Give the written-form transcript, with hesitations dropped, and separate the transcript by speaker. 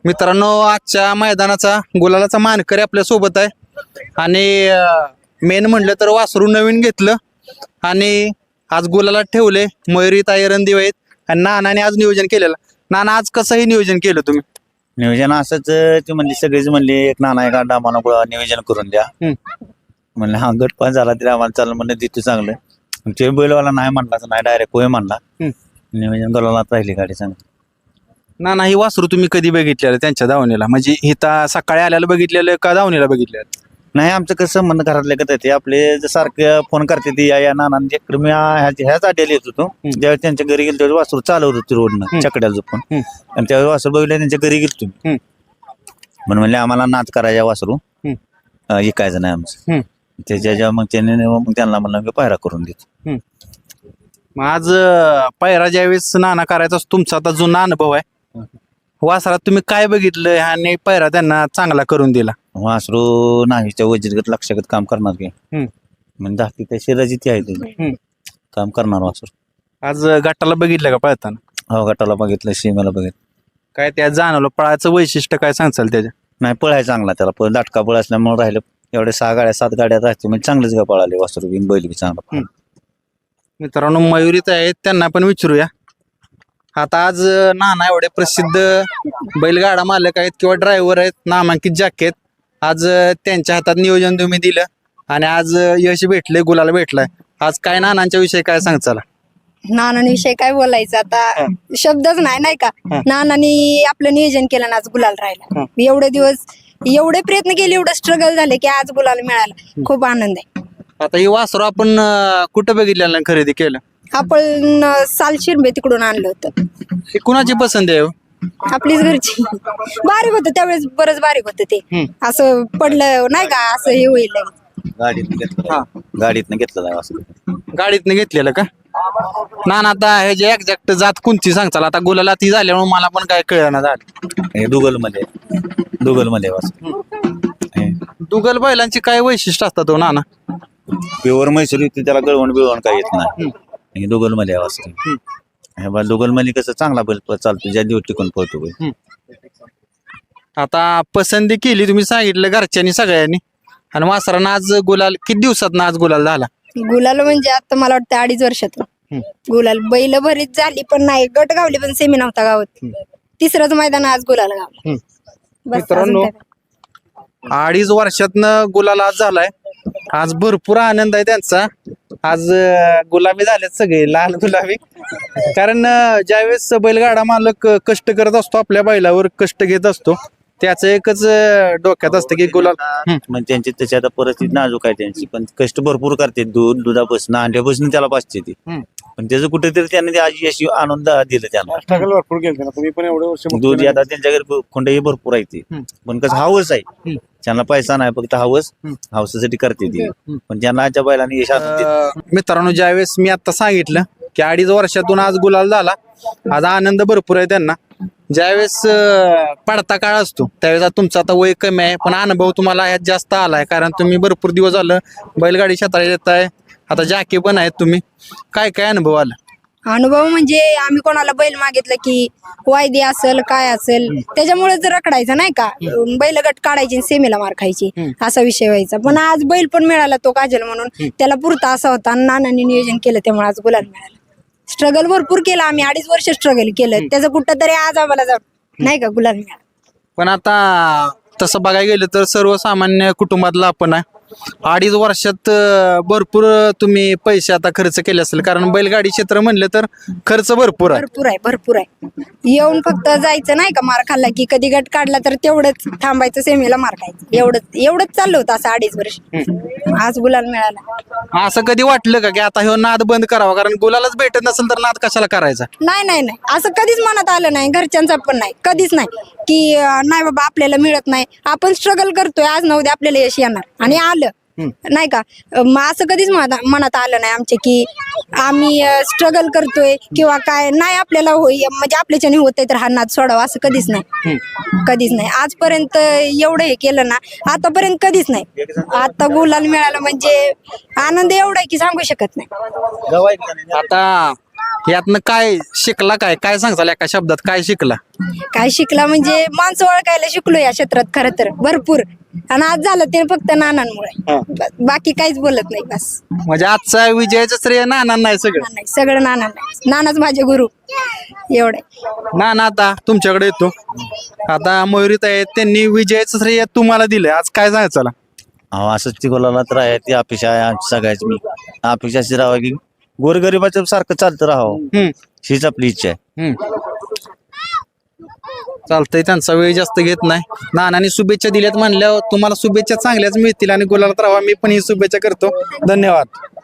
Speaker 1: मित्रांनो, आजच्या मैदानाचा गुलालाचा मानकरी आपल्या सोबत आहे आणि मेन म्हणलं तर वासरू नवीन घेतलं आणि आज गुलाला ठेवले. मयुरी ताई रणदिवे आहेत आणि नानाने आज नियोजन केलेलं. नाना, आज कसंही नियोजन केलं तुम्ही?
Speaker 2: नियोजन असंच ते म्हणले, सगळेच म्हणले एक नाना एक अंडा आम्हाला नियोजन करून द्या. म्हणलं हा गट पास झाला तरी आम्हाला चाललं, म्हणलं तिथं चांगलं. ते बैलवाला नाही म्हणला, नाही डायरेक्ट होय म्हणला. नियोजन करायला राहिली गाडी चांगली.
Speaker 1: नाना, ही वासरू तुम्ही कधी बघितलेलं त्यांच्या दावणीला? म्हणजे इथं सकाळी आल्याला बघितलेलं का दावणीला बघितलेलं?
Speaker 2: नाही, आमचं कसं संबंध घरातले का ते आपले सारखे फोन करते ती या नानांचे. मी ह्याच आड्याला येत होतो. ज्यावेळेस त्यांच्या घरी गेलो त्यावेळेस वासरू चालवत होती रोडनं चकड्याला झोपून, आणि त्यावेळेस वासरू बघितलं त्यांच्या घरी गेलो तुम्ही. म्हणून म्हणले आम्हाला नाच करायचा वासरू ऐकायचं नाही आमचं. त्याच्या मग त्यांना म्हणलं पायरा करून देतो.
Speaker 1: मग आज पायरा ज्यावेळेस नाना करायचा तुमचा आता जुना अनुभव आहे, वासरात तुम्ही काय बघितलं आणि पायरा त्यांना चांगला करून दिला?
Speaker 2: वासरू नाहीच्या वजीरगत लक्षात काम करणार की म्हणजे दाखी त्या शरीराची ती आहे त्याची काम करणार वासरू.
Speaker 1: आज गटाला बघितलं का पळताना?
Speaker 2: हो, गटाला बघितलं, सीमेला बघितलं.
Speaker 1: काय त्या जाणवलं? पळायचं वैशिष्ट्य काय सांगचाल त्याच्या?
Speaker 2: नाही, पळाय चांगला त्याला, दाटका पळ असल्यामुळे राहिलं. एवढे 6 गाड्या 7 गाड्या राहते म्हणजे चांगलेच का पळाले वासरू बिन, बैल बी चांगला.
Speaker 1: मित्रांनो, मयुरीत आहेत, त्यांना पण विचारूया. आता आज नाना एवढे प्रसिद्ध बैलगाडा मालक आहेत किंवा ड्रायव्हर आहेत, नामांकित जॅकेट, आज त्यांच्या हातात नियोजन तुम्ही दिलं आणि आज यश भेटले, गुलाल भेटलाय. आज काय नानांच्या विषयी काय सांगचाल?
Speaker 3: नानांविषयी काय बोलायचं आता, शब्दच नाही का. नानांनी आपलं नियोजन केलं ना, आज गुलाल राहिला. एवढे दिवस एवढे प्रयत्न केले, एवढं स्ट्रगल झाले की आज गुलाल मिळाला. खूप आनंद आहे.
Speaker 1: आता ही वासरू आपण कुठं बघितलेलं खरेदी केलं?
Speaker 3: आपण सालशिरबे तिकडून आणलं होतं.
Speaker 1: ही कुणाची पसंत आहे?
Speaker 3: आपलीच घरची. बारीक होतं त्यावेळेस, बरंच बारीक होतं ते. असं पडलं नाही का, असं हे होईल.
Speaker 2: गाडीतनं घेतलं जाय वासरू.
Speaker 1: गाडीतनं घेतलेलं का? नाना, आता हे जे एक्झॅक्ट जात कोणती सांगचाल? आता गुलाला ती झाल्यामुळे मला पण काय कळलं झालं.
Speaker 2: हे दुगलमध्ये वासरू.
Speaker 1: दुगल बैलांची काय वैशिष्ट्य असतात हो नाना?
Speaker 2: प्युअर म्हैसूर येते, त्याला गळवण बिळवण काय येत नाही. हे दुगलमध्ये वासरू. हे बा दुगलमध्ये कसं चांगला बैल चालतो, ज्या दिवस टिकून पळतो बैल.
Speaker 1: आता पसंती केली तुम्ही, सांगितलं घरच्यांनी सगळ्यांनी, आणि वासरानं आज गुलाल किती दिवसात आज गुलाल झाला?
Speaker 3: गुलाल म्हणजे आता मला वाटतं 2.5 वर्षातून गुलाल. बैल भरीत झाली पण नाही, गट गावली पण सेमी नव्हता गावात. 3रंच मैदान आज गुलाल गावला.
Speaker 1: मित्रांनो, 2.5 वर्षातनं गुलाल आज झालाय. आज भरपूर आनंद आहे त्यांचा. आज गुलाबी झालेत सगळे, लाल गुलाबी. कारण ज्यावेळेस बैलगाडा मालक कष्ट करत असतो, आपल्या बैलावर कष्ट घेत असतो, त्याचं एकच डोक्यात असतं की गुलाल.
Speaker 2: म्हणजे त्यांची त्याची आता परिस्थिती नाजूक आहे त्यांची, पण कष्ट भरपूर करते. दुधापासून अंड्यापासून त्याला पाचते ती, पण त्याचं कुठेतरी त्याने आज यश आनंद दिलं त्यांना.
Speaker 4: भरपूर केलं तुम्ही पण एवढे वर्ष.
Speaker 2: दूध आता त्यांच्या घरी खोंडही भरपूर आहे ती, पण कसं हवस आहे त्यांना, पैसा नाही, फक्त हवसासाठी करते ती. पण त्यांना आजच्या बैलांनी यश आणून दिलं.
Speaker 1: मित्रांनो, ज्यावेळेस मी आता सांगितलं की 2.5 वर्षातून आज गुलाल झाला, आज आनंद भरपूर आहे त्यांना. ज्यावेळेस पडता काळ असतो त्यावेळेस तुमचा आता वय कमी आहे, पण अनुभव तुम्हाला ह्यात जास्त आलाय, कारण तुम्ही भरपूर दिवस झालं बैलगाडी क्षेत्रात येत आहे. आता जाके पण आहेत तुम्ही, काय काय अनुभव आला?
Speaker 3: अनुभव म्हणजे आम्ही कोणाला बैल मागितलं की वायदी असेल काय असेल, त्याच्यामुळे जर रखडायचं नाही का, बैल गट काढायची सेमीला मार खायची, असा विषय व्हायचा. पण आज बैल पण मिळाला तो काजल म्हणून, त्याला पुरता असा होता. नानांनी नियोजन केलं त्यामुळे आज गुलाल मिळाला. स्ट्रगल भरपूर केलं आम्ही, 2.5 वर्ष स्ट्रगल केलं, त्याचं कुठं तरी आज आम्हाला जाऊन नाही का गुलाल मिळाला.
Speaker 1: पण आता तसं बघायला गेलं तर सर्वसामान्य कुटुंबातला आपण आहे. 2.5 वर्षात भरपूर तुम्ही पैसे आता खर्च केले असेल, कारण बैलगाडी क्षेत्र म्हणलं तर खर्च भरपूर आहे.
Speaker 3: भरपूर आहे. येऊन फक्त जायचं नाही का, मार खाल्ला की कधी गट काढला तर तेवढंच थांबायचं, सेमीला मार खायचं, एवढंच चाललं होतं असं 2.5 वर्ष. आज गुलाल मिळाला.
Speaker 1: असं कधी वाटलं का की आता हे नाद बंद करावा, कारण गुलालच भेटत नसेल तर नाद कशाला करायचा?
Speaker 3: नाही, असं कधीच मनात आलं नाही, घरच्यांचा पण नाही, कधीच नाही की नाही बाबा आपल्याला मिळत नाही, आपण स्ट्रगल करतोय, आज न उद्या आपल्याला यश येणार, आणि आलं नाही का. मग असं कधीच मनात आलं नाही आमच्या की आम्ही स्ट्रगल करतोय किंवा काय नाही, आपल्याला म्हणजे आपल्याच्याने होतंय तर हा नाद सोडावा, असं कधीच नाही. आजपर्यंत एवढं हे केलं ना, आतापर्यंत कधीच नाही. आता गुलाल मिळाला म्हणजे आनंद एवढा आहे की सांगू शकत नाही.
Speaker 1: आता यातनं काय शिकला, काय काय सांगताल एका शब्दात काय शिकला?
Speaker 3: काय शिकला म्हणजे माणसं ओळखायला शिकलो या क्षेत्रात खरं तर भरपूर. आणि आज झालं ते फक्त नानांमुळे, बाकी काहीच बोलत नाही. बस
Speaker 1: म्हणजे आजचा विजयाचं श्रेय नाना नाही सगळं?
Speaker 3: नाही, सगळं नाना. नानाच माझे गुरु एवढे.
Speaker 1: नाना आता तुमच्याकडे येतो. आता मयुरीत आहेत, त्यांनी विजयाचं श्रेय तुम्हाला दिलंय, आज काय सांगायचं चला?
Speaker 2: अहो असंच ती बोलायला तर आहे, ती अपेक्षा आहे आमची सगळ्याची. मी अपेक्षा अशी राहावं की गोरगरिबाच्या सारखं चालतं राहावं, हीच आपली इच्छा आहे.
Speaker 1: चालतंय, त्यांचा वेळ जास्त घेत नाही. नानांनी शुभेच्छा दिल्यात म्हणल्यावर तुम्हाला शुभेच्छा चांगल्याच मिळतील आणि गुलालात राहावा, मी पण ही शुभेच्छा करतो. धन्यवाद.